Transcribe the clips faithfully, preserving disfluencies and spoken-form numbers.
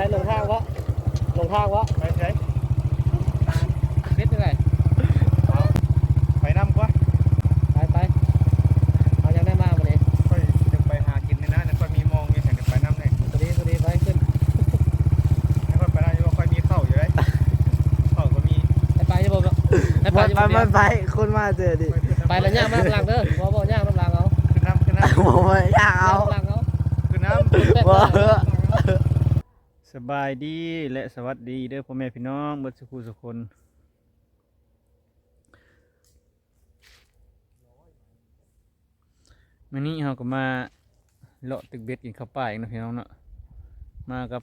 ลงทางวะลงทางวะไปใช้เบ็ดยังไงไปน้ำกว่าไปไปเอายังได้มากวันนี้ค่อยจะไปหากินในนั้นค่อยมีมองมีแสงไปน้ำเลยพอดีพอดีไปขึ้นค่อยไปได้ว่าค่อยมีเข้าอยู่เลยเข้าก็มีไปจะบอกไปไปไปไปคุณมาเจอดิไปแล้วย่างมาน้ำลังเด้อบ่บ่ย่างน้ำลังเอาขึ้นน้ำขึ้นน้ำโอ้ยอยากเอาน้ำลังเอาขึ้นน้ำสบายดีและสวัสดีเด้อพ่อแม่พี่น้องเบิดสุขุสุคนวันนี้เราก็มาเลาะตึกเบ็ดกินข้าวป่าอีกนะพี่น้องเนาะมากับ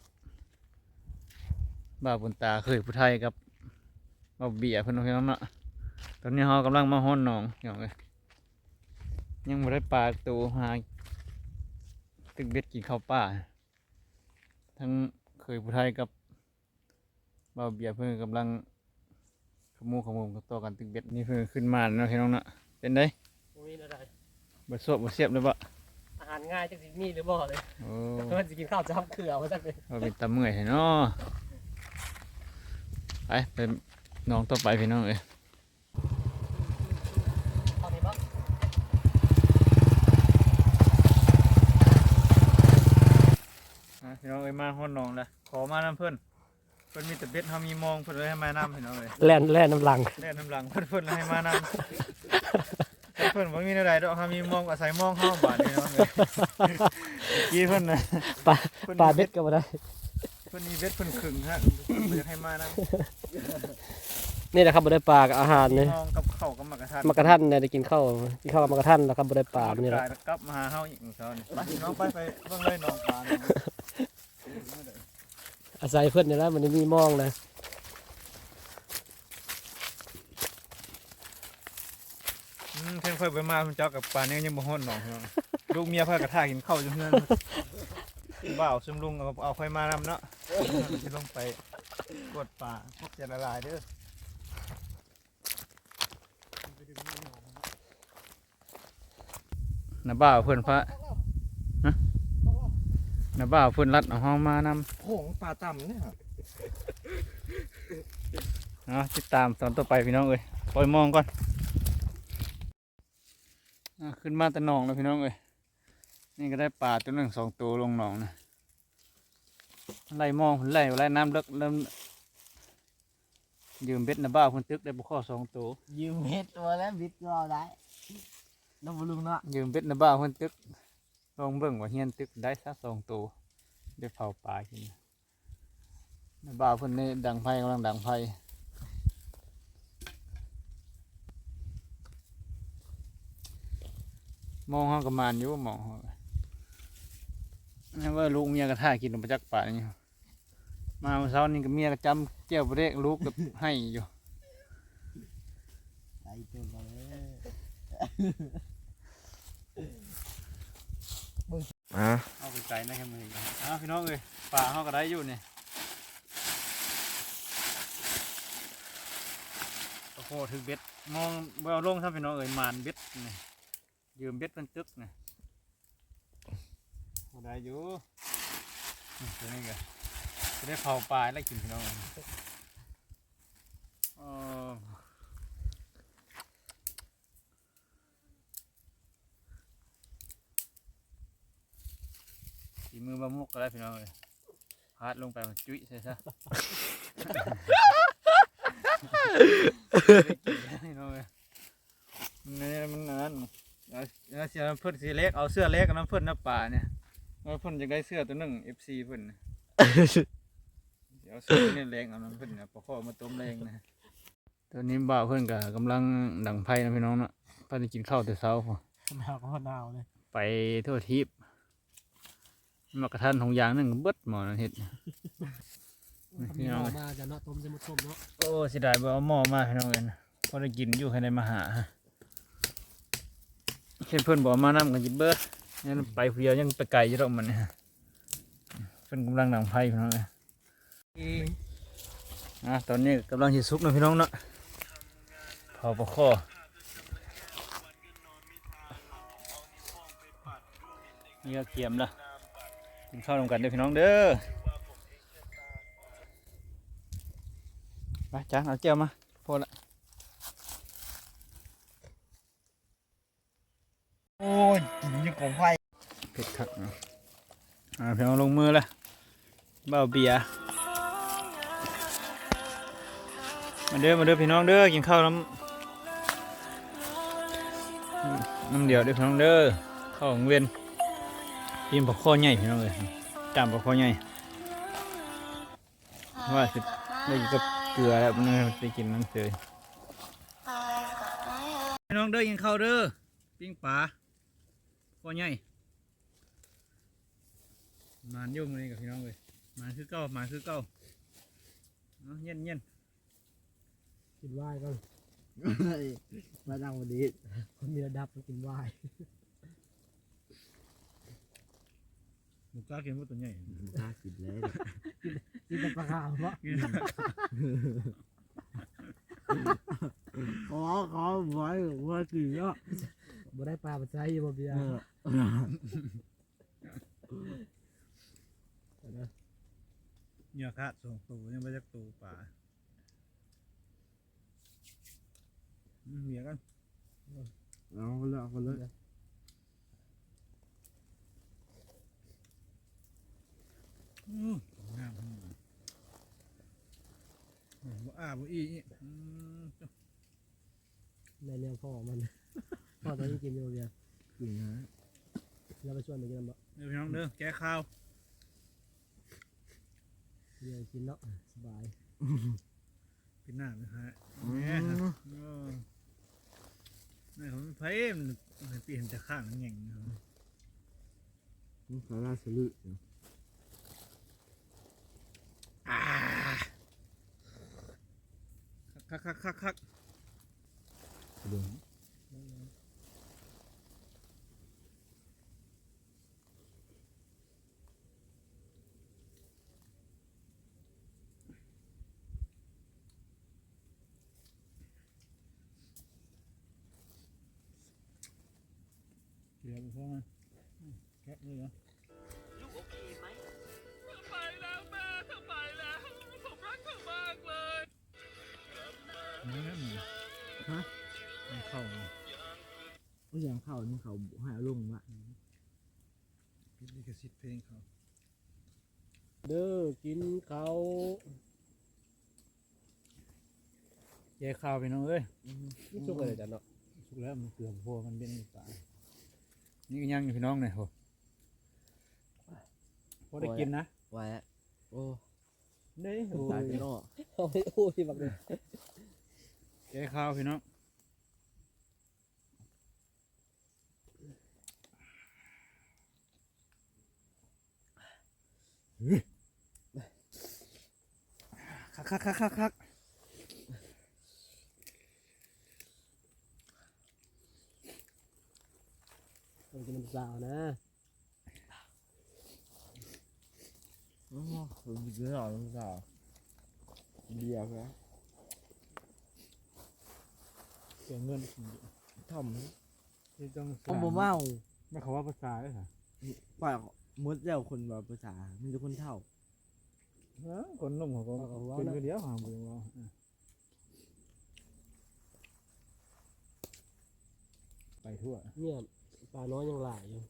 บ่าวบุญตาเคยผู้ไทยกับบ่าวเบียร์เพื่อนพี่น้องเนาะตอนนี้เรากำลังมาฮ้อนหนองอย่างเลยยังไม่ได้ปลาตัวหาตึกเบ็ดกินข้าวป่าทั้งเคยผู้ไทยกับบ่าวเบียร์เพื่อนกำลังขมูขมุมต่อกันตึกเบ็ดนี่เพื่อนขึ้นมาเนาะพี่น้องเนาะเป็นไงบดสวบบดเสียบเลยปะอาหารง่ายจังสิมีหรือบ่เลยโอ้เพื่อนจะกินข้าวจ้ำเกลือมาสักเลยเราเป็นตาเมื่อยเนาะไปเป็นน้องต่อไปพี่น้องเอ้ยพี่น้องเอ้ยมาห้องน้องเลยขอมาน้ำเพื่อนเพื่อนมีแต่เบ็ดเขามีมองเพื่อนเลยให้มาน้ำพี่น้องเลยแล่นแล่นน้ำลังแล่นน้ำลังเพื่อนเพื่อนให้มาน้ำเพื่อนว่ามีอะไรดอกเขามีมองอาศัยมองห้องบาดนี่น้องเลยกี้เพื่อนนะปลาปลาเบ็ดก็มาได้เพื่อนมีเบ็ดเพื่อนขึงฮะเพื่อนให้มาน้ำนี่แหละครับบ่ได้ปลากับอาหารเนี่ยมองกับข้าวกับมะกระทันมะกระทันเนี่ยได้กินข้าวกินข้าวกับมะกระทันแล้วครับบ่ได้ปลานี่แหละกลับมาหาเฮาอีกเช้านี่ไปน้องไปไปเบิ่งเลยน้องปลาอาศัยเพื่อนเนี่ยแล้วมันมีมองนะอืมเพิ่นค่อยไปมาเจ้ากับปลาเนี่ยยังบ่ฮ้อนน้องลูกเมียเพิ่นกระทากินข้าวอยู่เฮือนบ่าวซึมลุงเอาเอาค่อยมานำเนาะสิลงไปกดปลาพวกจะละลายเด้อน้าบ่าวเพิ่นพระฮะน้าบ่าวเพิ่นรัดเอาห้องมานำผงปลาต่ำเนี่ยเนาะติดตามตอนต่อไปพี่น้องเอ้ยปล่อยมองก่อนขึ้นมาแต่หนองแล้วพี่น้องเอ้ยนี่ก็ได้ปลาตัวหนึ่งสองตัวลงหนองนะไล่มองไล่ไล่น้ำเลิกเริ่มยืมเบ็ดน้าบ่าวคนตึกได้บุข้อสองตัวยืมเม็ดตัวแล้วบิดก็เอาได้น้องบุลุงเนาะยืมเบ็ดน้าบ่าวคนตึกลองเบิ่งว่าเฮียนตึกได้สักสองตัวได้เผาปลากินน้าบ่าวเพิ่นนี่ดังไฟกำลังดังไฟมองห้องกระมานอยู่มองนี่ว่าลูกเมียกระท่ากินมาจากป่านี่มาเมื่อเช้านี่กับเมียกระจำเจ้าเด็กลูกกับให้อยู่ใส่ตัวมาเลยอ่ะเอาไปไก่นะแค่มืออ่ะพี่น้องเอ้ยป่าเขาก็ได้อยู่นี่โอ้โหถือเบ็ดมองเบลลงท่านพี่น้องเอ้ยมานเบ็ดนี่ยืมเบ็ดเป็นตึกนี่ได้อยู่ตัวนี้ก็จะได้เผาปลาแล้วกินพี่น้องสีมือบะมุกก็ได้พี่น้องเลยพาดลงไปมันจุ้ยใช่ซะพี่น้องเลยนี่มันนั่นเอาเสื้อเพื่อนสีเล็กเอาเสื้อเล็กกับน้ำเพื่อนน้ำป่าเนี่ยน้ำเพื่อนจะได้เสื้อตัวหนึ่งเอฟซีเพื่อนเดี๋ยวเสื้อนี่แรงเอาน้ำเพื่อนเนี่ยปะข้อมาต้มแรงนะตัวนี้บ่าวเพื่อนกับกำลังดังไพ่นะพี่น้องเนาะเพื่อนกินข้าวแต่เช้าพอหนาวก็หนาวเลยไปทั่วทิพย์มากระทันของยางนึงเบิดหมอนะเห็ดพี่น้องมาจะเนาะต้มจะมุดต้มเนาะโอ้เสียดายบ่เอาหม้อมาพี่น้องเอ็นพอได้กินอยู่ให้ได้มาหาเช่นเพื่อนบอกมาน้ำกันจิเบิดยังไปเพียวยังไปไกลอยู่หรอกมันเนี่ยเพื่อนกำลังดังไพ่พี่น้องเลยอ่ะตอนนี้กำลังจะซุกนะพี่น้องเนาะเผาปลาข้อนี่ก็เกียมละกินข้าวรวมกันเด้อพี่น้องเด้อไปจานเอาเจียวมาพอละโอ้ยกินยังของไฟเผ็ดคักเนาะอ่าเพียงลงมือละเบาเบียร์มาเด้อมาเด้อพี่น้องเด้อกินข้าวน้ำน้ำเดียวเด้อพี่น้องเด้อข้าวของเวียนกินปลาข้อใหญ่พี่น้องเลยจามปลาข้อใหญ่ว่าสิได้กินกับเกลือแล้วมันได้กินน้ำเสยพี่น้องเด้อกินข้าวเด้อปิ้งปลาข้อใหญ่มานยุ่งเลยกับพี่น้องเลยมานคือเก้ามาคือเก้าเนาะเย็นเย็นกินวายก็มาดังวันนี้คนมีระดับต้องกินวายหมูกล้ากินว่าตัวใหญ่น่ากินเลยกินแต่ปลาขาวเพราะขอขอไว้ว่ากินเนาะบ่ได้ปลาปัจจัยบ่เบียร์เหยื่อขาดสองตัวยังไม่จักตัวป่าเหยื่อกันเอาคนละคนละอืมงามบ่อ้าบ่อีอืมในแนวพ่อมันพ่อตอนนี้กินอยู่เบียร์กินนะเราไปชวนไปกินบ่เดี๋ยวพี่น้องเด้อแก้ข้าวเบียร์กินเนาะสบายเป็นหน้าไหมฮะเนี่ยนี่เขาไม่เพ่มมันเปลี่ยนแต่ข้างแง่งนะครับนี่ขาลาสลุคักคักคักคักเดี๋ยวเดี๋ยวพวกมันแกะเลยเหรอลูกโอเคไหมไปแล้วแม่ทำไมแล้ว ผมรักเธอมากเลยนี่นะหมูฮะมันเข้าเลยไม่ยังเข้านี่เขาหาลุงวะพิลิกสิทธิ์เพลงเขาเด้อกินเขาวแก้ข้าวพี่น้องเอ้ยนี่สุกเลยจ้ะเนาะสุกแล้วมันเกลือพวกมันเป็นป่านี่ก็ยังอยู่พี่น้องเนี่ยโหพอได้กินนะไว้โอ้ได้โอ้ตายยไปเนาะเอาไปโอ้ยบักเลยแก้ข้าวพี่น้องคักคักคักคักคักมันจะมันสาวนะโอ้ยเยอะหน่อยลุงสาวเบียร์นะเสียเงินทำที่ต้องผมบ่เมาไม่เขาว่าภาษาเลยค่ะฝ่ายมดแล้วคนแบบภาษามันจะคนเท่าคนนุ่มเขาก็เป็นคนเดียวหางบุญเราไปทั่วเนี่ยปลาน้อยยังหลายอยู่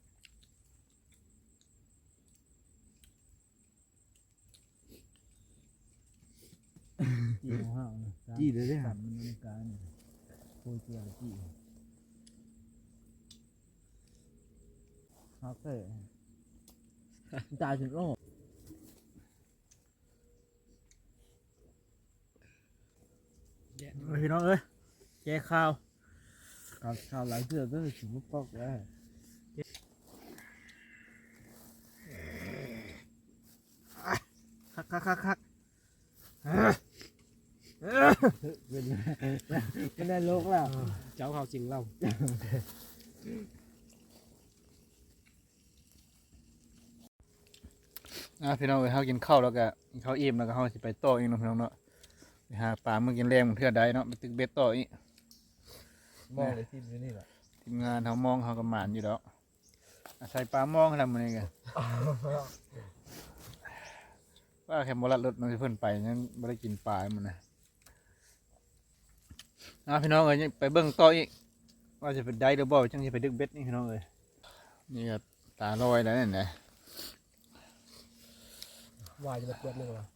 จีของห้าวนะจี้เลยได้สั่ฮะนมันมีการโคยเจียจีครับเซ่ตายจนโอ้พี่น้องเอ้ยแก้ข้าวข่าวข่าวหลายเดือนก็ถึงมุกปอกแล้วคักคักคักคักเป็นเป็นได้โลกแล้วเจ้าเขาจริงเราอ่ะพี่น้องเอ้ยเขากินข้าวแล้วก็เขาอิ่มแล้วก็เขาสิไปต่ออีกเนาะพี่น้องเนาะไปหาปลาเมื่อกินแรงเพื่อใดเนาะไปตึกเบ็ดต่ออีกมองเลยที่นี่แหละทีมงานเขามองเขากำหมานอยู่แล้วอาศัยปลามองทำมันเองไงว่าแค่บรัดรถมันเพิ่นไปยังไม่ได้กินปลามันนะอ่ะพี่น้องเอ้ยไปเบิ่งต่ออีกว่าจะไปได้หรือบ่จังสิไปดึกเบ็ดนี่พี่น้องเอ้ยนี่ก็ตาลอยแล้วนี่นแหละวายจะมาเปิดหนึ่งวะ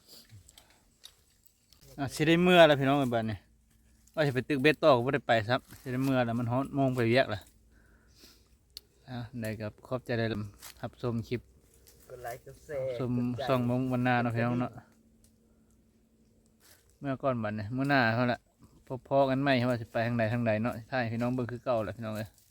อ่ะสิได้เมื่อแล้วพี่น้องเอ้ยบัดนี้ว่าจะไปตึกเบ็ดต่อก็บ่ได้ไปครับสิได้เมื่อแล้วมันฮ้อนโมงไปเวียกแล้วอ่ะได้ครับขอบใจได้รับชมคลิปกดไลค์กดแชชมส่องมงวันหน้าเนาะพี่น้องเนาะเมื่อก่อนบัดนี้เมื่อหน้าเท่านั้นละพอๆกันไหมว่าสิไปทางใดทางใดเนาะใช่พี่น้องเบิ่งคือเก่าแหละพี่น้องเอ้ย